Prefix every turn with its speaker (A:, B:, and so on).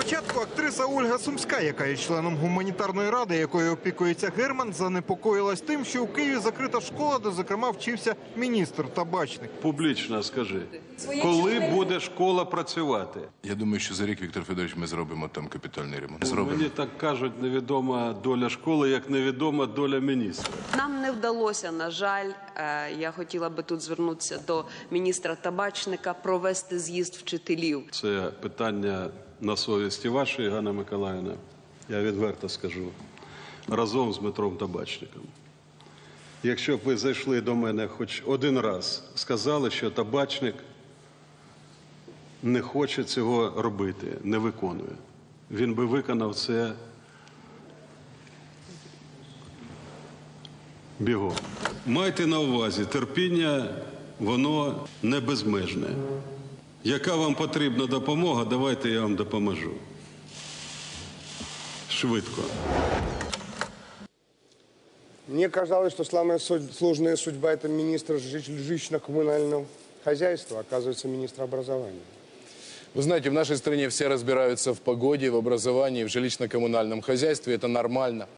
A: Спочатку актриса Ольга Сумська, яка є членом гуманітарної ради, якою опікується Герман, занепокоїлась тим, що у Києві закрита школа, де, зокрема, вчився міністр Табачник.
B: Публічно скажи, коли буде школа працювати?
C: Я думаю, що за рік, Віктор Федорович, ми зробимо там капітальний ремонт.
B: Мені так кажуть, невідома доля школи, як невідома доля міністра.
D: Нам не вдалося, на жаль, я хотіла би тут звернутися до міністра Табачника, провести з'їзд вчителів.
B: Це питання на совісті вашої, Ганна Миколаївна, я відверто скажу, разом з Дмитром Табачником. Якщо б ви зайшли до мене хоч один раз, сказали, що Табачник не хоче цього робити, не виконує, він би виконав це бігом. Майте на увазі, терпіння, воно не безмежне. Яка вам потрібна допомога, давайте я вам допоможу. Швидко.
E: Мне казалось, что самая сложная судьба – это министр жилищно-коммунального хозяйства, оказывается, министр образования.
F: Вы знаете, в нашей стране все разбираются в погоде, в образовании, в жилищно-коммунальном хозяйстве. Это нормально.